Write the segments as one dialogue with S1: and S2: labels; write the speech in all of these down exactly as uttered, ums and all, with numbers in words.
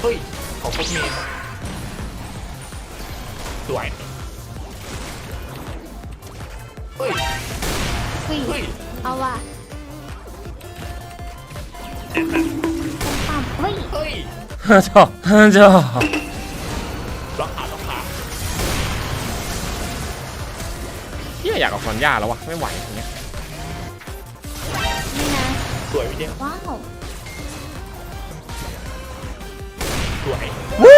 S1: เฮ้ยของพวกเมนสวยเฮ้ย
S2: เฮ้ย
S1: เฮ้ย
S2: เอาว่ะปั๊มเฮ้ย
S1: เฮ้ย
S3: ฮ่าจ้าฮ่าจ้า
S1: ล็อกขาล็อกขา
S3: เฮียอยากกับฟอนย่าแล้ววะไม่ไหวอย่างเงี้ย
S2: นี่นะ
S1: สวยพี่เจม
S2: ว้าว
S1: สวย
S3: วู้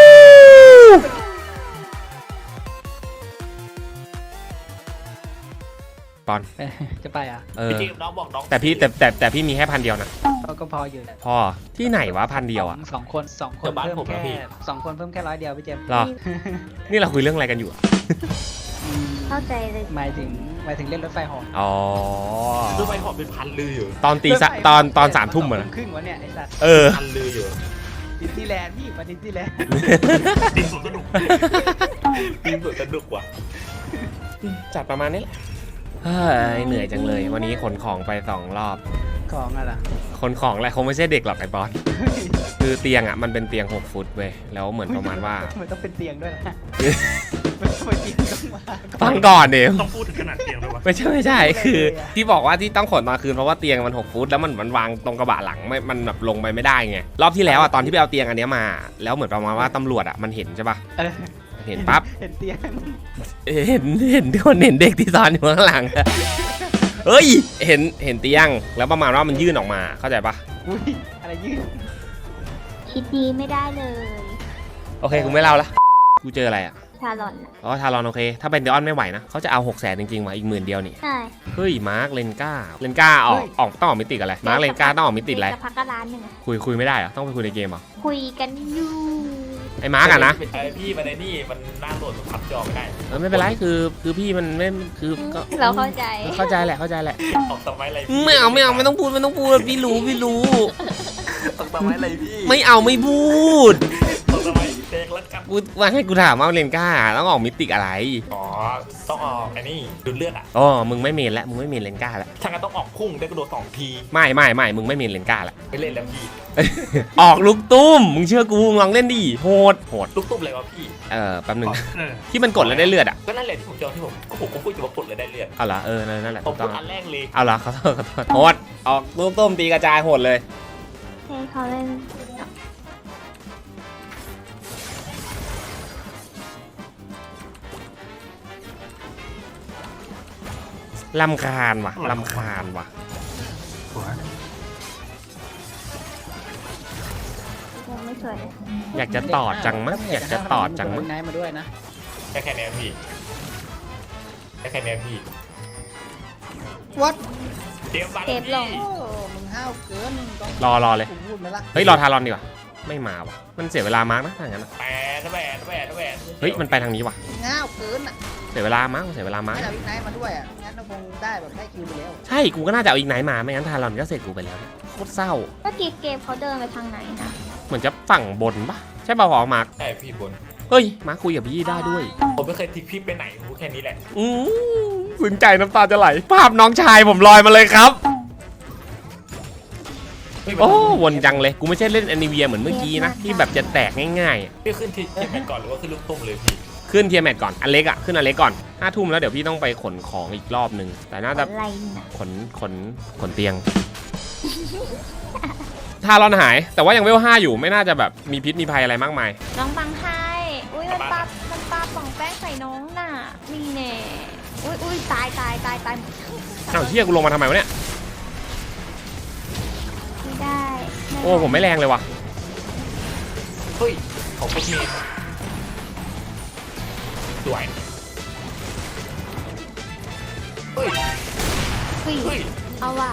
S3: ปอน
S4: จะไปอ่ะ
S3: เออ
S1: พี่เจมน้องบอกน้อง
S3: แต่พี่แต่แต่แต่พี่มีแค่พันเดียวนะ
S4: ก็พออยู่
S3: พอที่ไหนวะพันเดียวอ่ะ
S4: สองคนสองคนเพิ่มแค่สองคนเพิ่มแค่ร้อยเดียวพี่เจมส์
S3: หรอนี่เราคุยเรื่องอะไรกันอยู่
S2: เข้าใจเลย
S4: หมายถึงหมายถึงเล่นรถไฟหอ
S3: อ๋อ
S1: รถไฟหอเป็นพันลืออยู่
S3: ตอนตีตอนตอนสามทุ่มเหรอ
S4: ครึ่งวะเนี่ยไอ้สัตว์
S3: เออ
S1: พันลืออยู่
S4: ดิสนีย์แลนด์พี่มาดิสนีย์แลนด์
S1: ดินสวนสนุกดินสวนสนุกว่ะ
S3: จัดประมาณนี้แหละเฮ้ยเหนื่อยจังเลยวันนี้ขนของไปสองรอบ
S4: ของอะไร
S3: ขนของอะไรคงไม่ใช่เด็กหรอกไอ้บอสคือเตียงอ่ะมันเป็นเตียงหกฟุตเว้ยแล้วเหมือนประมาณว่า
S4: มันต้องเป็นเตียงด้วยนะมันต้องเป็นเตียงต้องมา
S3: ฟังก่อนเดี๋ยว
S1: ต้องพูดถึงขนาดเตียงด้วยวะ
S3: ไม่ใช่ไม่ใช่คือที่บอกว่าที่ต้องขนมาคืนเพราะว่าเตียงมันหกฟุตแล้วมันมันวางตรงกระบะหลังไม่มันแบบลงไปไม่ได้ไงรอบที่แล้วอ่ะตอนที่ไปเอาเตียงอันนี้มาแล้วเหมือนประมาณว่าตำรวจอ่ะมันเห็นใช่ป่ะเห็นปั๊บ
S4: เห็นเตียง
S3: เห็นเห็นคนเห็นเด็กที่ซ้อนอยู่ข้างหลังเฮ้ยเห็นเห็นเตียงแล้วประมาณว่ามันยื่นออกมาเข้าใจปะ
S4: อุ้ยอะไรยื่น
S2: คิดดีไม่ได้เลย
S3: โอเคกูไม่เล่าละกูเจออะไรอ่ะ
S2: ทารอน
S3: อ๋อทารอนโอเคถ้าเป็นเดออนไม่ไหวนะเขาจะเอาหกแสนจริงๆว่ะอีกหมื่นเดียวนี่
S2: ใช่
S3: เฮ้ยมาร์คเลนก้าเลนก้าออกออกต้องออกมิติอะไรมาร์คเลนก้าต้องออกมิติอะไร
S2: จะพักกระร้านหนึ่ง
S3: คุยคุยไม่ได้เหรอต้องไปคุยในเกมเหรอ
S2: คุยกันอยู่
S3: ไอ้มาร์กอะนะ
S1: ไอพี่มันในนี่มันน่าโหลดพับจอไม่ได้
S3: เออไม่เป็นไรคือคือพี่มันไม่คือก็
S2: เราเข้าใจ
S3: เข้าใจแหละเข้าใจแหละ
S1: ออกสมัยอะไร
S3: ไม่เอาไม่เอาไม่ต้องพูดไม่ต้องพูดพี่รู้พี่รู้
S1: ออกสมัยอะไรพี่
S3: ไม่เอาไม่พูด
S1: ออกสมัยเด็กแล้วกัน
S3: กูว่าให้กูถามว่าเลนก้าต้องออกมิติอะไร
S1: อ๋อต้องออกไอ้นี่ดูเลือดอ่ะ
S3: อ๋อมึงไม่เมนแล้วมึงไม่เมนเลนก้าแล้ว
S1: ถ้างั้นต้องออกพุ่งได้กระโดดสองที
S3: ไม่ไม่ไม่มึงไม่เมนเลนก้าแล้ว
S1: ไม่เล่นแล้วพี่
S3: ออกลูกตุ้มมึงเชื่อกูลองเล่นดิโหดโหด
S1: ลูกตุ้มอะไรวะพี่
S3: เออแป๊บนึงที่มันกดแล้วได้เลือดอ่ะ
S1: ก็นั่นแหละที่ผมเจอที่ผมก็ผมก็พูดอยู่ว่ากดเลยได้เลือด
S3: เอาละเออนั่นแหละ
S1: ผมพูดอันแรกเลย
S3: เอาละเขาเขาโหดออกลูกตุ้มตีกระจายโหดเลย
S2: ให้เขาเล่น
S3: ลำคาญว่ะลำคาญว่ะ
S2: ไม่สวย
S3: อยากจะตอดจังมั้ยอยากจะตอดจังมั้ย
S4: ไหนมาด้วยนะ
S1: แค่แค่นี้พี่แค่แค่นี้พี่
S4: what
S1: เตรียมบัง
S2: พี่
S4: มึงห้าวเกิน
S3: รอรอเลยเฮ้ยรอทารอนดีกว่าไม่มาว่ะมันเสียเวลามาร์กนะถ้างั้น
S1: แปดแปดแปดแปด
S3: เฮ้ยมันไปทางนี้ว่ะ
S4: ห้าวเกินอ่ะ
S3: เสียเวลามาร์กเสียเวลามาร์ก
S4: ไม่เอาอีกไนท์มาด้วยอ่ะงั้นเราคงได้แบบได้คิวไปแล้ว
S3: ใช่กูก็น่าจะเอาอีกไนท์มาไม่งั้นทารอนก็เสร็จกูไปแล้วโคตรเศร้า
S2: เมื่อกี้เกมเขาเดินไปทางไหนนะ
S3: เหมือนจะฝั่งบนปะใช่ป่าวหรอมาร์ก
S1: ใช่พี่บน
S3: เฮ้ยมาร์กคุยกับพี่ได้ด้วย
S1: ผมไม่เคยทิ้งพี่ไปไหนรู้แค่นี้แหละ
S3: อือซึ้งใจน้ำตาจะไหลภาพน้องชายผมลอยมาเลยครับโอ้วนจังเลยกูไม่ใช่เล่นแอนิเวียเหมือนเมื่อกี้นะที่แบบจะแตกง่าย
S1: ๆพี่ขึ้นทีเทียแมทก่อนหรือว่าขึ้นลูกตุ้มเลยพี่
S3: ขึ้นเทียแมทก่อนอันเล็กอ่ะขึ้นอันเล็กก่อนห้าทุ่มแล้วเดี๋ยวพี่ต้องไปขนของอีกรอบนึงแต่น่าจะขนขนขนเตียงทารอนหายแต่ว่ายังเวลห้าอยู่ไม่น่าจะแบบมีพิษมีภัยอะไรมากมาย
S2: น้องบังไฮอุ้ยมันปามันปาป่องแป้งใส่น้องน่ะนี่แน่อุ้ยอุ้ยตายตายตายตาย
S3: อ้าวเฮียกูลงมาทำไมวะเนี่ย
S2: ไม่ได้
S3: โอ้ผมไม่แรงเลยว่ะ
S1: เฮ้ยของพวกเมนสวยเฮ้ย
S2: เฮ้ยเอาว่ะ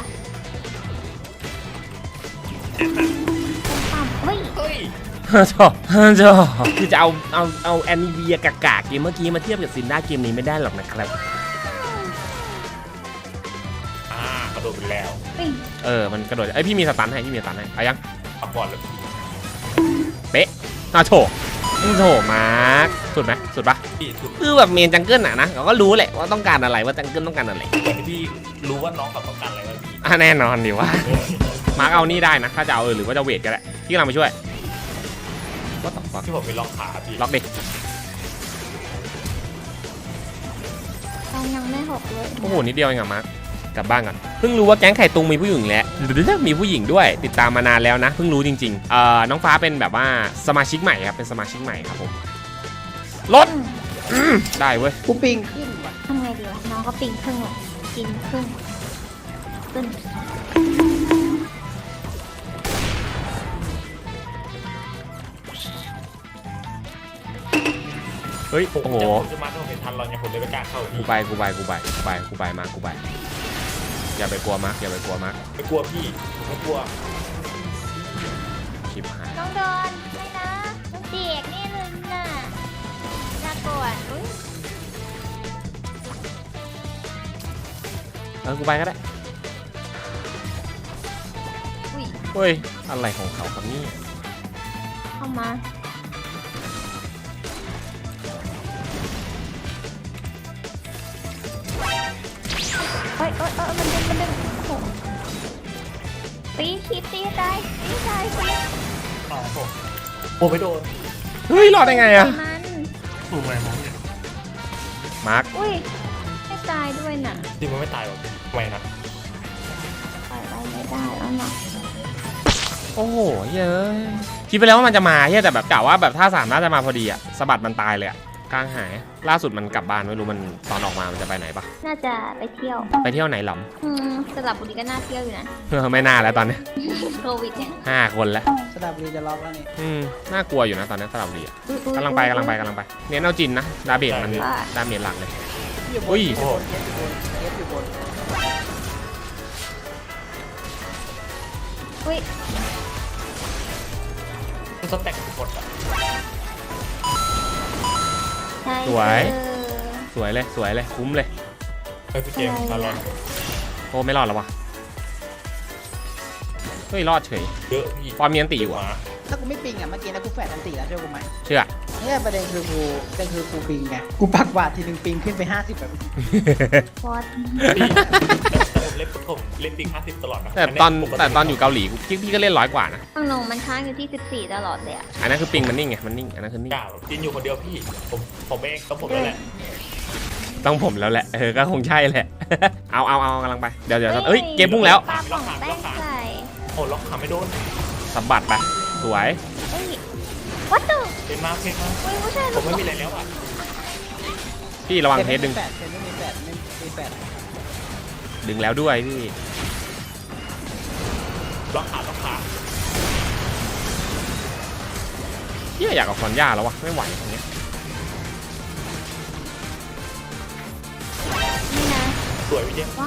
S2: ปั๊มเฮ้ย
S3: เฮ้ยฮ่าจ้าฮ่าจ้าคือจะเอาเอาเอาแอนิเวียกากาเกมเมื่อกี้มาเทียบกับซินด้าเกมนี้ไม่ได้หรอกนะครับ
S1: อ่ากระโดดไปแล้ว
S3: เออมันกระโดดไอพี่มีสตันให้พี่มีสตันให้ไปยัง
S1: เอาก่อนเลย
S3: เป๊ะน่าโฉบโฉบมาร์คสุดไหมสุดปะคือแบบเมนจังเกิลอะนะเราก็รู้แหละว่าต้องการอะไรว่าจังเกิลต้องการอะไร
S1: แต่พี่รู้ว่าน้องต้องการอะไรวะพี่
S3: อ่ะแน่นอนดิว่ามาร์คเอานี่ได้นะถ้าจะเอาหรือว่าจะเวทก็ได้ที่เราไปช่วยก็ต้องฟัก
S1: ที่ผมมีล็อกขาพี่
S3: ล็อกดิ
S2: ตอนยังไม่หกเลย
S3: โอ้โหนิดเดียวเองอะมาร์คกลับบ้านก่อนเพิ่งรู้ว่าแก๊งไข่ตุงมีผู้หญิงแล้วมีผู้หญิงด้วยติดตามมานานแล้วนะเพิ่งรู้จริงๆเอ่อน้องฟ้าเป็นแบบว่าสมาชิกใหม่ครับเป็นสมาชิกใหม่ครับผมรถได้เว้ย
S4: กูปิงขึ้นว่ะ
S2: ทำไงดีวะน้องก็ปิงครึ่งเลยกินครึ่งขึ้น
S3: เฮ้ย
S1: ผม
S3: โอ้โห
S1: จะผมจะมาถ้าผมเห็นทันเราเนี่ยผมเลยไม่กล้าเข้า
S3: กู
S1: พี่
S3: ไปกูไปกูไปกูไปกูไปมากูไปอย่าไปกลัวมาร์คอย่าไปกลัวมาร์ค
S1: ไม่กลัวพี่ผมไม่กลัว
S3: ชิบหาย
S2: น้องโดนไม่นะน้องเด็กนี่เลยน่ะน่ากลัวอุ้ย
S3: เออกูไปก็ได้
S2: อุ้ย
S3: เฮ้ยอะไรของเขาครับนี่
S2: เข้ามาเฮ้ยเอ้ยเอ้ยมันดึงมันดึงโอ้โหตีคิดตีตายตีตายตี
S1: อ๋อผมผมไม่โดน
S3: เฮ้ยรอดได้ไงอะ
S2: มัน
S1: ถูกไหมมองเนี่ย
S3: มาร์ค
S2: อุ้ยไม่ตายด้วยน่ะ
S1: จริงมันไม่ตายหรอกไม่นะ
S2: ปล่อยไว้ไม่ได้แล้วน่ะ
S3: โอ้โหเย้ยคิดไปแล้วว่ามันจะมาเฮ้ยแต่แบบกะว่าแบบถ้าสามน่าจะมาพอดีอะสะบัดมันตายเลยอะกลางหายล่าสุดมันกลับบ้านไม่รู้มันตอนออกมามันจะไปไหนปะ
S2: น่าจะไปเที่ยว
S3: ไปเที่ยวไหนหรอ
S2: อืมสลับบุรีก็น่าเที่ยวอยู่นะ
S3: เออไม่น่าแล้วตอนนี้
S2: โควิดเนี่ย
S3: ห้าคนแล้ว
S4: สระบุรีจะล็อกแล้วนี่
S3: อืมน่ากลัวอยู่นะตอนนี้สระบุรีอะ
S2: อุ๊ยอุ๊ย
S3: กำลังไปกำลังไปกำลังไปเน้นเอาจินนะดาเบจมัน
S2: ว่า
S3: ดาเมจหลักเลย
S4: อยู่บน
S3: อุ้ย
S4: อยู่บนเอฟอยู่บนเอฟอยู่บน
S2: อุ้ย
S1: มันสแต็กหมดอ่ะ
S2: ใช่
S3: สวย
S2: เออ
S3: สวยเลยสวยเลยคุ้มเลย
S1: เฮ้ยพี่เจมส์ตลอด
S3: โอ้ไม่รอดแล้ววะเฮ้ยรอดเฉย
S1: เยอะพี่
S3: ฟอร์มเมียนตีอยู่อะ
S1: มา
S4: ถ้ากูไม่ปิงอ่ะเมื่อกี้นะกูแฟดอันตีแล้วเชื่อกูไหม
S3: เชื่อ
S4: เนี่ยประเด็นคือกูประเด็นคือกูปิงไงกูปักบาททีหนึ่งปิงขึ้นไปห้าสิบแบบ
S2: ฟอส
S1: พี่แต่ผมเล่นผมเล่นปิงห้าสิบตลอดนะ
S3: แต่ตอน
S1: ปก
S3: แต่ตอนอยู่เกาหลีพี่พี่ก็เล่นร้อยกว่านะ
S2: ข้างนงมันค้างอยู่ที่สิบสี่ตลอดเลยอะ
S3: อันนั้นคือปิงมันนิ่งไงมันนิ่งอันนั้นคือนิ่ง
S1: กล้าจินอยู่คนเดียวพี่ผมผมเองต้องผมแล้วแหละ
S3: ต้องผมแล้วแหละเออก็คงใช่แหละ เอาเอาเอากำลังไปเดี๋ยวเดี๋ยวเอ้ยเกมพุ่งแล้ว
S2: ปลาป่องแป้งใส่
S1: โอ้ล็อกขาไม่โดน
S3: สะบัดไปสวย
S2: เฮ้ยวัตถุ
S1: เป็นมากเป็นมาก
S2: อุ้ยผู้ชาย
S1: ผมไม่มีอะไรแล้วอ่ะ
S3: พี่ระวังเทสดึง
S4: แฟดเทสไม่มีแฟดไม่มีแฟด
S3: ดึงแล้วด้วยพี่
S1: ล็อกขาล็อกขา
S3: พี่อยากเอาคอนย่าแล้ววะไม่ไหวตรงเนี้ย
S2: นี่นะ
S1: สวยพี่เจมส์
S2: ว้าว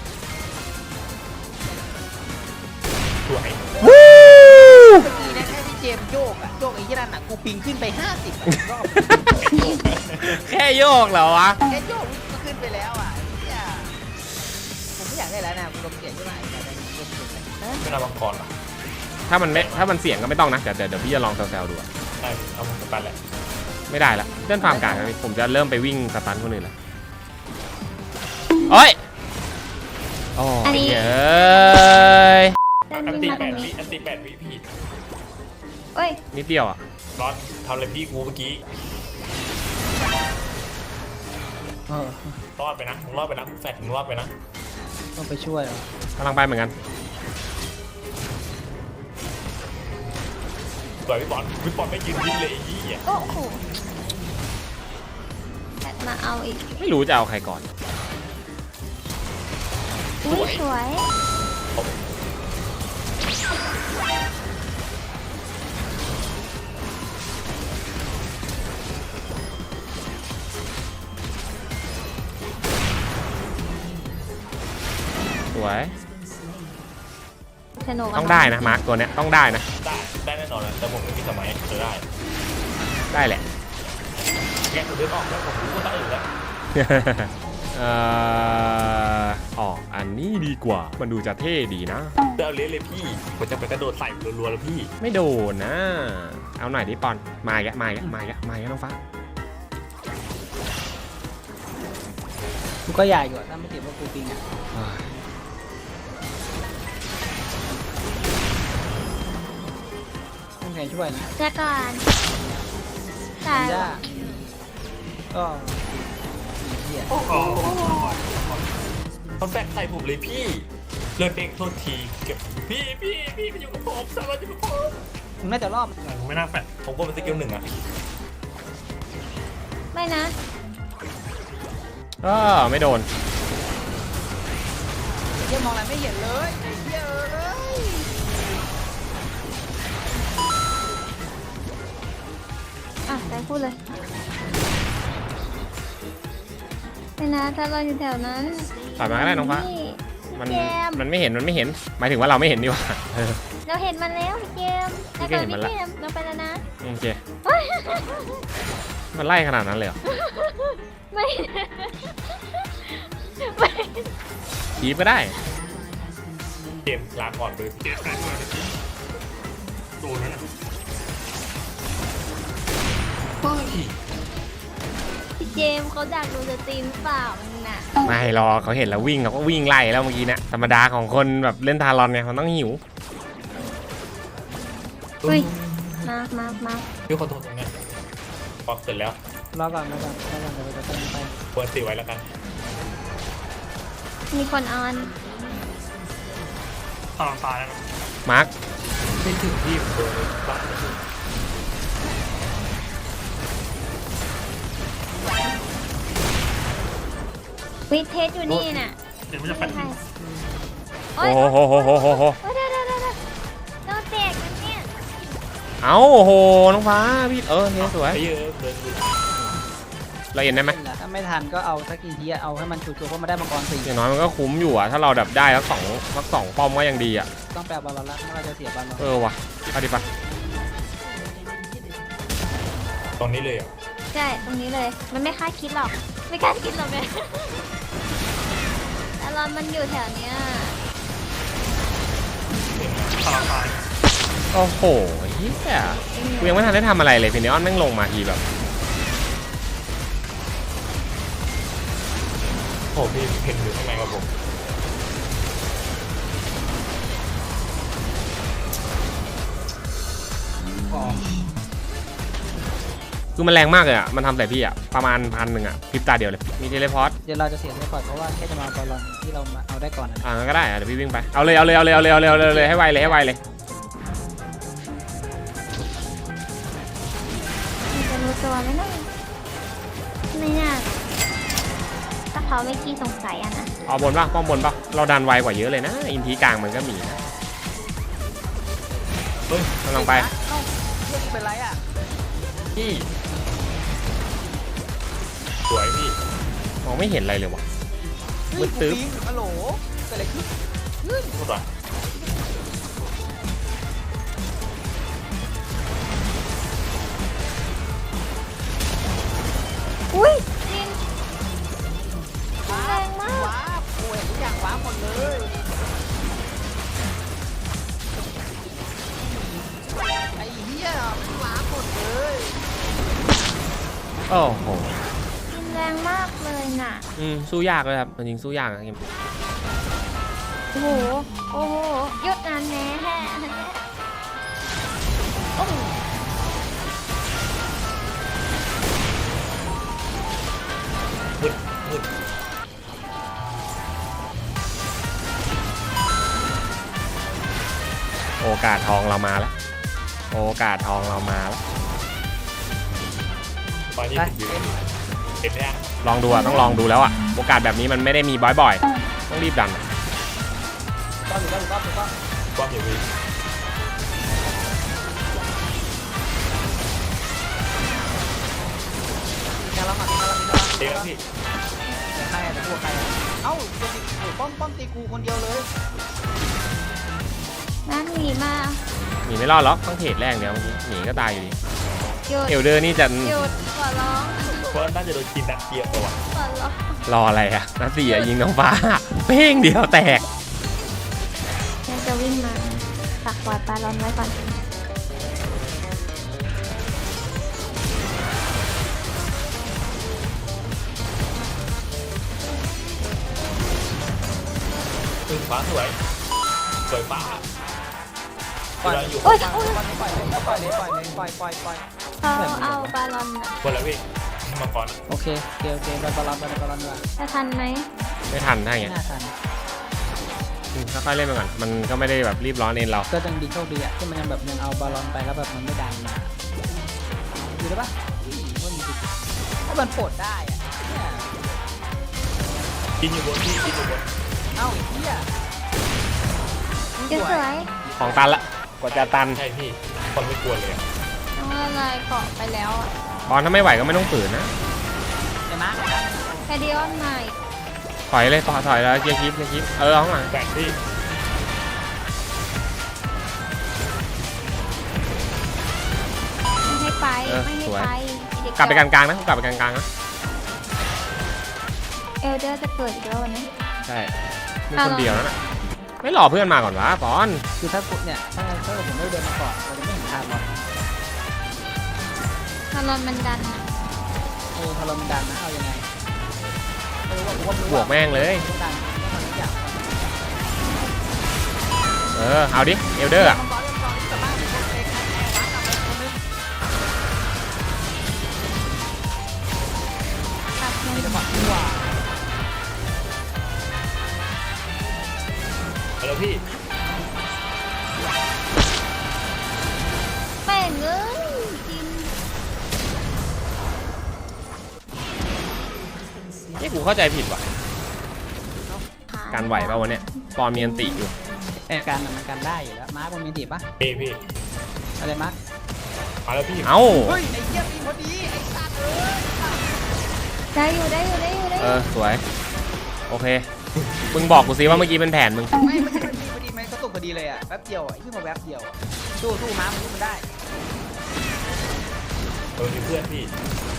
S1: สวย
S3: วู้
S4: เมื่อกี้นะแค่พี่เจมส์โยกอะโยกไอ้ยี่นั่นอะกูปิงขึ้นไปห้าสิบรอบ
S3: แค่โยกเหรอวะ
S4: แค่โยกก็ขึ้นไปแล้วอ่ะเนี่ยผมไม่อยากได้แล้วนะกูลงเสียงใช่ไหมแต่เป็นลงเสียงเออ
S1: ไม่น่าบังกรหรอก
S3: ถ้ามันไม่ถ้ามันเสี่ยงก็ไม่ต้องนะเดี๋ยวเดี๋ยวเดี๋ยวพี่จะลองแซวๆดูอะ
S1: ใช่เอาผมไปแหละ
S3: ไม่ได้ละเล่นฟาร์มกลางนะผมจะเริ่มไปวิ่งสตันคนอื่นละโอ้ยโอ้ยเย้ย
S2: เดิน
S1: อัน
S2: วิ่ง
S1: ตี
S2: มา
S1: แป
S2: ตรง
S1: ดวิ
S2: นี้
S1: อันตีแปดวิพี่
S2: เอ้ย
S3: นิดเดียวอ่ะ
S1: ร้อนทำอะไรพี่กูเมื่อกี้
S4: เออ
S1: รอดไปนะมึงรอดไปนะมึงแฟดมึงรอดไปนะ
S4: ต้องไปช่วยเหรอก
S3: ำลังไปเหมือนกัน
S1: สวยพี่บอลพี่บอลไม่ยืนยิ้มเลยไอ้ยี่อ่ะ
S2: โอ้โหแบตมาเอาอีก
S3: ไม่รู้จะเอาใครก่อน
S2: อุ้ยสวย
S3: สวย
S2: สนุกะ
S3: ต้องได้นะมาร์คตัวเนี้ยต้องได้นะ
S1: ได้ได้แน่นอนนะแต่ผมไม่มีสมัยจะได้
S3: ได้แหละ
S1: แกผมเดินออกแล้วผมรู้ว่าตั้งอื่นแล้ว
S3: เอ่อออกอันนี้ดีกว่ามันดูจะเท่ดีนะ
S1: เดินเลี้ยเลยพี่ผมจะไปกระโดดใส่รัวๆแล้วพี่
S3: ไม่โดนนะ เอาหน่อยดิปอนมาอีกแล้วมาอีกแล้วมาอีกแล้วมาอีกแล้วน้องฟ้า
S4: กูก็ใหญ่อยู่อะถ้าไม่ติดว่ากูปิงอ่ะ
S3: มัน
S4: ใครช่วยนะ
S2: เดี๋ยวก่อนตาย
S4: ย่า
S2: ว่ะ
S4: ก็เหี้ย
S1: โอ้โหเขาแฝงใส่ผมเลยพี่เลิกเองโทษทีเก็บพี่พี่พี่ไปอยู่กับผมสามารถอยู่กับผม
S4: มึงน่าจะรอบ
S1: ไม่น่าแฝงผมก็เป็นสกิลหนึ่งอะ
S2: ไม่นะ
S3: ก็ไม่โดน
S4: เหี้ยมองอะไรไม่เห็นเลยไอ้เหี้ยเอ้ย
S2: อ่ะไปพูดเลยไม่นะถ้าเราอยู่แถวนั้น
S3: ถอยมาก็ได้น้องฟ้า
S2: พี่
S3: มัน
S2: เกม
S3: มันไม่เห็นมันไม่เห็นหมายถึงว่าเราไม่เห็นดีกว่าเออ
S2: เราเห็นมันแล้วพี่เกม
S3: พี่
S2: แต่
S3: ก็
S2: ก่อน
S3: เห็นมัน
S2: พี่
S3: ละ
S2: เกมเราไปแล้วนะ
S3: โอเคมันไล่ขนาดนั้นเลยเหรอ
S2: ไม่ ไม่
S3: ทีบก็ได้
S1: เกมลาก่อนเลยเกมแฝงมาโดนแล้วนะเฮ้ย
S2: พี่เจมส์เขาดักดูสตรีมหรือเปล่ามันน่ะ
S3: ไม่หรอกเขาเห็นแล้ววิ่งเขาก็วิ่งไล่แล้วเมื่อกี้เนะธรรมดาของคนแบบเล่นทารอนไงมันต้องหิว
S2: อุ้ยมามามา
S1: พี่ขอโทษตรงนี้พอเสร็จแล้ว
S4: รอก่อนรอก่อนรอก่อนเดี๋ยวเราจะไปไป
S1: ควรตีไว้แล้วกัน
S2: มีคนออน
S1: ตอนตายแล้ว
S3: มาร์ค
S1: ไม่ถึงที่ผมโดนบ้าน
S2: วิเทสอยู่นี่น่ะ
S1: เดี๋ยวมันจะแฝง
S2: ใช่
S3: โอ้โหโหโหโหโหโห
S2: โอ้ยเดี๋ยวเดี๋ยวเดี๋ยวเดี๋ยวเราแตกกันเนี่ย
S3: เอาโอ้โหน้องฟ้าพี่เออเฮ้ยสวย
S1: ไปเยอะเดินดู
S3: เราเห็นได้ไหม
S4: ถ้าไม่ทันก็เอาสักกี่ทีอะเอาให้มันชัวร์ๆเพราะมันได้มังกรสี่
S3: อย่างน้อยมันก็คุ้มอยู่อะถ้าเราดับได้สักสองสักสองป้อมก็ยังดีอะ
S4: ต้องแปลบอลละถ้าเราจะเสียบอลละ
S3: เออว่ะเอาดิปะ
S1: ตรงนี้เลยอ่ะ
S2: ใช่ตรงนี้เลย มันไม่คาดคิดหรอก ไม่คาดคิดหรอกเนี่ยแต่รอนมันอยู่แถวเนี้ย
S1: ตอนตาย
S3: โอ้โหเฮียกูยังไม่ทันได้ทำอะไรเลยฟินิออนแม่งลงมาทีแบบ
S1: โอ้พี่เห็นอยู่ข้างในกับผม
S3: คือมันแรงมากเลยอะมันทำใส่พี่อะประมาณพันหนึ่งอะพริบตาเดียวเลยมีเทเลพอร์ต
S4: เดี๋ยวเราจะเสียเทเลพอร์ตเพราะว่าแค่จะมาบอลลอนที่เรามาเอาได้ก่อนนะ
S3: อ่างั้นก็ได้อะเดี๋ยวพี่วิ่งไปเอาเลยเอาเลยเอาเลยเอาเลยเอาเลยเอาเลยเอาเลยให้ไวเลยให้ไวเลย
S2: มันจะรู้ตัวไหมนะไม่น่าถ้าเขาไม่ขี้สงสัยอะนะ
S3: เอาบนป่ะป้อมบนป่ะเราดันไวกว่าเยอะเลยนะอินทีกลางมันก็มีนะ
S1: เฮ้ย
S3: กำลังไป
S4: เอ้าเรื่องเป็นไรอ่ะ
S1: พี่สวยพี่
S3: มองไม่เห็นอะไรเลยว่ะ
S4: เฮ้
S3: มื
S4: ย
S3: ด
S4: กู
S3: ตึ๊บ
S4: ปีนฮัลโหลเกิดอะไรขึ้น
S1: พูดว่า
S2: อุ้ยจินแรงมาก
S4: ว้าบโอ้ยทุกอย่างว้าบหมดเลยไอ้เหี้ยมันว้าบหมดเลย
S3: โอ้โห
S2: จินแรงมากเลยน่ะ
S3: อืมสู้ยากเลยครับจริงๆสู้ยากนะเกม
S2: โอ้โห โอ้โหหยุดนานแน่โอ้โห
S1: มืดมืด
S3: โอกาสทองเรามาแล้วโอกาสทองเรามาแล้ว
S1: ตอนนี้ผมอยู่เห็นไหมฮะ
S3: ลองดูอะต้องลองดูแล้วอะโอกาสแบบนี้มันไม่ได้มีบ่อยๆต้องรีบดันอะ
S4: ก็ถูกต้องถูกต้องถูกต้อง
S1: ความอยู่พี่
S4: งานเราหมักงานเรามีงาน
S1: เดี๋ยว
S4: เรา
S1: พี่
S4: แต่ใครแต่พวกใครเอ้าจะติดโอ้ป้อมป้อมตีกูคนเดียวเลย
S2: นั่นหนีมา
S3: หนีไม่รอดหรอกต้องเทรดแรกเดียวเมื่อกี้หนีก็ตายอยู่ดี
S2: หยุด
S3: เอลเดอร์นี่จะ
S2: หยุดขอร้อง
S1: เพราะน่าจะโดนกินนัดเดียวตัว
S2: ขอร้อง
S3: รออะไรอะนัดสี่อะยิงน้องฟ้าเป้งเดียวแตก
S2: แกจะวิ่งมาฝากปล่อยปลาร้อนไว้ก่อน
S1: ตึงฟ้าสวยสวยฟ้า
S3: โอ้
S4: ปล่อย
S1: เราอยู่
S2: โอ้ย
S4: ปล่
S2: โอ้ย
S4: อยปล่อยเลยปล่อยเลยปล่อยเลยปล่อยปล่อยปล่อย
S2: เขาเอาบาลอนอะ
S1: คนละพี่มังกร
S4: โอเคโอเคโอเคไปบอลลอนไปบอลลอนดีกว่า
S2: จะทันไหม
S3: ไม่ทันถ้าอย่าง
S4: ไม่
S3: เงี้ย
S4: น่าทัน
S3: อืมค่อยๆเล่นไปก่อนมันก็ไม่ได้แบบรีบร้อนเองเรา
S4: ก็ยังดีโชคดีอะที่มันยังแบบยังเอาบอลลอนไปแล้วแบบมันไม่ดันมาดูได้ปะอุ้ยว่ามีสิทธิ์ถ้ามันปลดได้อะเนี่ย
S1: กินอยู่บนพี่กินอยู่บน
S4: เอ้าไอ้เหี้ย
S2: เดี๋ยวสวย
S3: ของตันละกว่าจะตัน
S1: ใช่พี่คนไม่กลัวเลยอะ
S2: น้องอะไรเกาะไปแล้วอะ
S3: ตอนถ้าไม่ไหวก็ไม่ต้องฝืนนะ
S4: เดี๋ยวมา
S2: แคดิออนใหม่
S3: ถอยเลยถอยถอยแล้วเกียร์คลิปเกียร์คลิปเออเอาข้างหลัง
S1: แบกพี่
S2: ไม่ให้ไปไม่ให้ไปเด็
S3: กลับไปกลางๆนะกลับไปกลางๆนะ
S2: เอลเดอร์จะเกิดอีกแล้ววันนี้
S3: ใช่มีคนเดียวแล้วนะไม่รอเพื่อนมาก่อนวะปอน
S4: คือถ้าปุ๊บเนี่ยถ้าถ้าผมไม่เดินมาก่อนเราจะไม่เห็นทางหรอก
S2: บาลอนมันดันอะ
S4: เออพอเรามันดันนะเอายังไงไม่รู้ว่าผมว่าไม่รู้
S3: บวกแม่งเลย
S4: ต้องดันต้องทำทุกอย่าง
S3: เออเอาดิเอลเดอร์อะ
S4: มังกรเล่นมังกรกลับบ้านคนเองใครแอบวางกลับไปคนนึง
S2: ตัดหนึ่ง
S4: มีจังหวะที่ว่า
S1: เอาแล้วพี่
S2: แม่งเอ้ยกิน
S3: นี่กูเข้าใจผิดว่ะการไหวป่ะวันเนี้ยปอนมีอันติอยู่
S4: เออการมันการได้อยู่แล้วมาร์คมันมีติปะ
S1: พี่พี่
S4: อะไรมาร์ค
S1: เอาแล้วพี่
S3: เอ้า
S4: เฮ้ยไอ้เหี้ยมีพอดีไอ้สัตว์เอ้ย
S2: ได้อยู่ได้อยู่ได้อยู่ได้อ
S3: เอยู่ อสวยโอเคมึงบอกกูสิว่าเมื่อกี้เป็นแผนมึง
S4: ไม่ไม่ใช่พอดีพอดีมันก็ตกพอดีเลยอ่ะแป๊บเดียวอ่ะขึ้นมาแป๊บเดียวอะสู้สู้มาร์คมันสู้มันได้
S1: เออมีเพื่อนพี่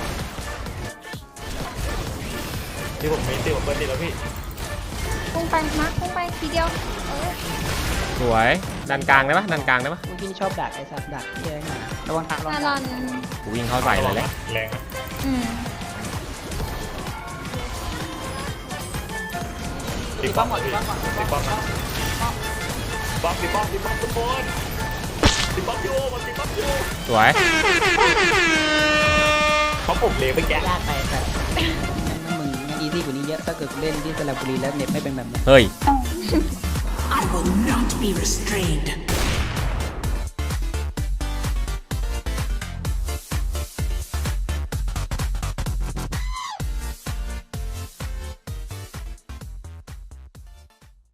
S1: ที่ผมมีตีผมเบิร์ดดีแล้วพี่
S2: พุ่งไปมาร์คพุ่งไปทีเดียวเออ
S3: สวยดันกลางได้ปะดันกลางได้ปะ
S4: พวกพี่ชอบดักไอ้สัตว์ดักเหี้ยไงระวังทางระวั
S2: บาง ล
S4: ทา
S2: อง น
S3: กูวิ่งเข้าใส่เลยเลย
S1: แรงนะ
S2: อืม
S1: ตีป้อมก่อนพี่ตีป้อมนะป้อมตีป้อมตีป้อมทุกคนตีป้อมอยู่มันตีป้อมอยู่
S3: สวย
S1: เขาปลุกเลยไปแกะ
S4: ยากไปแต่นั่นมึงงั้นอีซี่กว่านี้เยอะถ้าเกิดเล่นที่สระบุรีแล้วเน็ตไม่เป็นแบบนี้
S3: เฮ้ย
S5: I will not be restrained.